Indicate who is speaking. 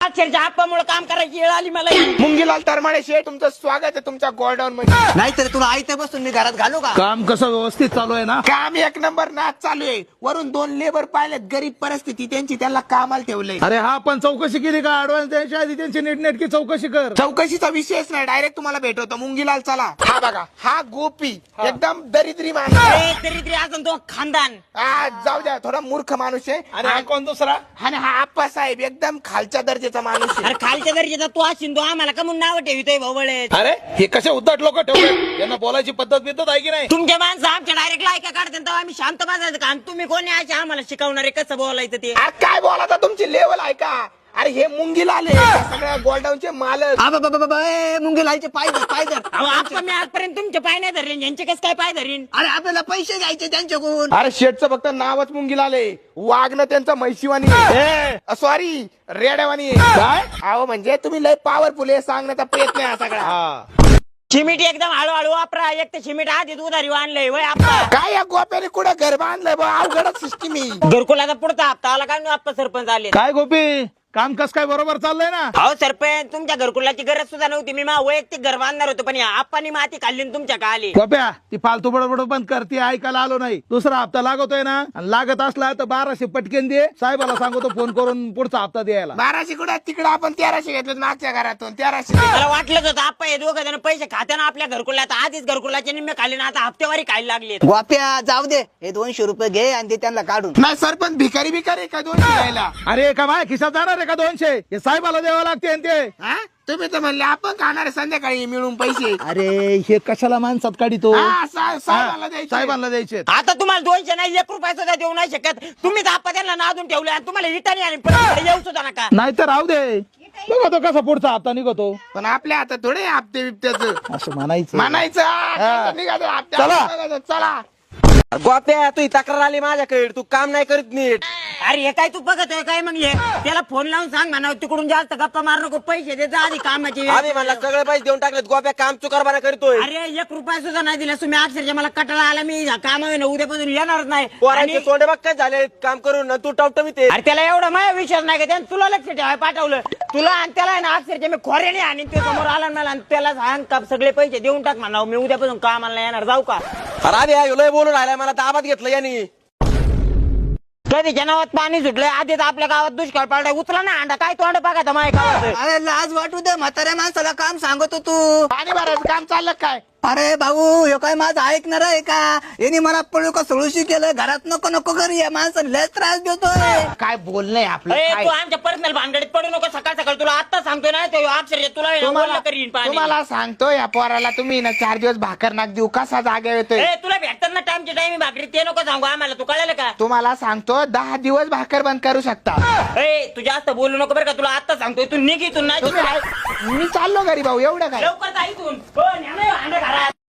Speaker 1: अक्षरशः आप्पामुळे काम करायची वेळ आली मला.
Speaker 2: मुंगीलाल तरमाळे शेठ, तुमचं स्वागत आहे तुमच्या गोडाऊन मध्ये.
Speaker 3: नाहीतर तुला आयते बसून मी घरात घालू का?
Speaker 4: काम कसं व्यवस्थित चालू आहे ना?
Speaker 2: काम एक नंबर नाच चालू आहे. वरून 2 लेबर पाहिलेत, गरीब परिस्थिती त्यांची, त्यांना कामाला ठेवलंय.
Speaker 4: अरे हा पण चौकशी केली का? ऍडव्हान्स द्यायच्या आधी त्यांची नीटनेटकी चौकशी कर.
Speaker 2: चौकशीचा विषयच नाही, डायरेक्ट तुम्हाला भेटवतो. मुंगीलाल चला. हा बघा, हा गोपी एकदम दरिद्री माणूस आहे.
Speaker 1: तरी अजून तो खानदान.
Speaker 2: जाऊ द्या, थोडा मूर्ख माणूस आहे.
Speaker 4: आणि हा कोण दुसरा?
Speaker 2: आणि हा आप्पा साहेब एकदम खालच्या दर्जाचा माणूस आहे.
Speaker 1: अरे खालच्या दर्जाचा तू असेल तो आम्हाला का म्हणून नाव ठेवतोय भावळे.
Speaker 4: अरे हे कसे उद्धट लोक ठेवले, यांना बोलायची पद्धत बिद्धत आहे की नाही?
Speaker 1: तुमच्या माणसं आमच्या डायरेक्ट लायका काढते तेव्हा आम्ही शांत बसायचं का? आणि तुम्ही कोणी असे आम्हाला शिकवणारे कसं बोलायचं ते?
Speaker 2: अरे काय बोलाता, तुमची लेवल आहे का? अरे हे मुंगीलाल आहे, सगळ्या गोल्डाऊनचे मालक.
Speaker 3: मुंगीलालचे पाय धर.
Speaker 1: अहो आप्पा, मी आजपर्यंत तुमचे पाय नाही धरले, यांचे कसं काय पाय धरीन?
Speaker 3: अरे आपल्याला पैसे घ्यायचे त्यांच्याकडून.
Speaker 2: अरे शेठचं फक्त नावच मुंगीलाल आहे, वागणं त्यांचं म्हैशीवानी सॉरी रेड्यावानी काय. अहो म्हणजे तुम्ही लय पॉवरफुल आहे सांगण्याचा प्रयत्न आहे हा सगळा.
Speaker 1: शिमिट एकदम हळूहळू वापरा. एक तर शिमिट आधीच उधारी आणलंय वय आप्पा.
Speaker 2: काय या गोप्याने कुठं घर बांधलंय बा? अवघडच सिस्टीम आहे.
Speaker 1: घरकुलाचा पुढचा हप्ता आला काय? आप्पा सरपंच आले.
Speaker 4: काय गोपी, काम कस काय बरोबर चाललंय ना?
Speaker 1: अहो सरपंच, तुमच्या घरकुलाची गरज सुद्धा नव्हती. मी मा वैयक्तिक घर बांधणार होतो, पण या आप्पानी माती खाल्ली आणि तुमच्या का आली.
Speaker 4: गोप्या, ती फालतू बडबड बंद कर, ती ऐकायला आलो नाही. दुसरा हप्ता लागतोय ना, आणि लागत असला तर 1200 पटकेन दे. साहेबाला सांगतो फोन करून पुढचा हप्ता द्यायला.
Speaker 2: 1200 कुठं? तिकडं आपण 1300 घेतलं मागच्या घरातून. 1300
Speaker 1: मला वाटलंच होतं आप्पा हे दोघं जण पैसे खात्यानं आपल्या घरकुलात आधीच घरकुलाचे निम्मे खाल्ले ना, आता हप्तेवारी खायला लागले.
Speaker 3: गोप्या जाऊ दे, हे 200 रुपये घे आणि ते त्यांना काढून.
Speaker 2: नाही सरपंच भिकारी भिकारी का 200 द्यायला?
Speaker 4: अरे का माझ्या खिशात जाणार आहे का 200? हे साहेबाला द्यावं लागते आणि ते.
Speaker 2: हा? तुम्ही तर म्हणले आपण खाणार संध्याकाळी मिळून पैसे.
Speaker 4: अरे हे कशाला माणसात काढितो?
Speaker 2: हा, साहेबाला द्यायचे.
Speaker 4: साहेबांना द्यायचे.
Speaker 1: आता तुम्हाला 200 नाही, 1 रुपया सुद्धा देऊ नाही शकत. तुम्ही आप्पा त्यांना नादून ठेवले आणि तुम्हाला इटाणी आणि परत येऊ सुद्धा नका.
Speaker 4: नाहीतर राहू दे, बघा तो कसा पुढचा हप्ता निघतो.
Speaker 2: पण आपल्या हातात थोडे हप्ते बिप्त्याचं
Speaker 4: असं म्हणायचं.
Speaker 2: म्हणायचं निघायचं हप्त्याचं. चला.
Speaker 5: गोप्या, तू तक्रार आली माझ्याकडे, तू काम नाही करीत नीट.
Speaker 1: अरे हे काय तू बघत आहे काय? मग हे त्याला फोन लावून सांग म्हणा, तिकडून जास्त गप्पा मार नको, पैसे देत जा आधी कामाचे.
Speaker 5: आम्ही म्हणला सगळे पैसे देऊन टाकलेत, गोप्या काम चुकारबाना करतोय.
Speaker 1: अरे 1 रुपया सुद्धा नाही दिला तुम्ही. अक्षरशः मला कटाळा आला, मी काम आहे ना उद्यापासून येणारच नाही.
Speaker 5: पोरांचे
Speaker 1: आणि-
Speaker 5: तोंडे बघ काय झाले काम करून, तू टवटवीत आहे.
Speaker 1: अरे त्याला एवढा माझा विश्वास नाही का? त्यानं तुला लक्ष ठेवाय पाठवलं. तुला आणि त्याला आहे ना अक्षरशः मी खोऱ्याने आणि ते समोर आला मला आणि त्याला सांग का सगळे पैसे देऊन टाक म्हणा, मी उद्यापासून कामाला येणार. जाऊ का?
Speaker 5: अरे लय बोलून राहिलाय, मला ताबात घेतलं यांनी.
Speaker 1: कधी जनावत पाणी सुटलंय, आधीच आपल्या गावात दुष्काळ पडलाय. उचला ना अंडा, काय तोंड बघा माझ्या गावात.
Speaker 3: अरे लाज वाटू दे, म्हाताऱ्या माणसाला काम सांगतो तू.
Speaker 2: पाणी भरायचं काम चाललं काय?
Speaker 3: अरे भाऊ, हे काय माझं ऐकणार आहे का? यांनी मला पळू का सळूशी केलं, घरात नको नको घरी या माणसाला लय त्रास देतोय.
Speaker 2: काय बोलणंय आपलं?
Speaker 1: ए,
Speaker 2: काय?
Speaker 1: तू आमच्या पर्सनल भानगडीत पडू नको. सकाळ सकाळ तुला आता सांगतोय ना, ते अक्षरशः तुला आहे ना बोलणं करीन पाणी.
Speaker 2: तुम्हाला सांगतो या पोराला तुम्ही ना 4 दिवस भाकर नाक देऊ, कसा जागा येतोय.
Speaker 1: ए, तुला भेटतात ना टाइमच्या टाइम भाकरी, ते नको सांगू आम्हाला. तू कळलं का?
Speaker 2: तुम्हाला सांगतो 10 दिवस भाकर बंद करू शकता.
Speaker 1: ए, तू जास्त बोलू नको बरं का? तुला आता सांगतोय, तू निघ इथून. नाही
Speaker 2: तुम्ही मी चाललो घरी भाऊ, एवढं काय?
Speaker 1: लवकर जा इथून. हो, न्या ना ह्यो अंडा घरात.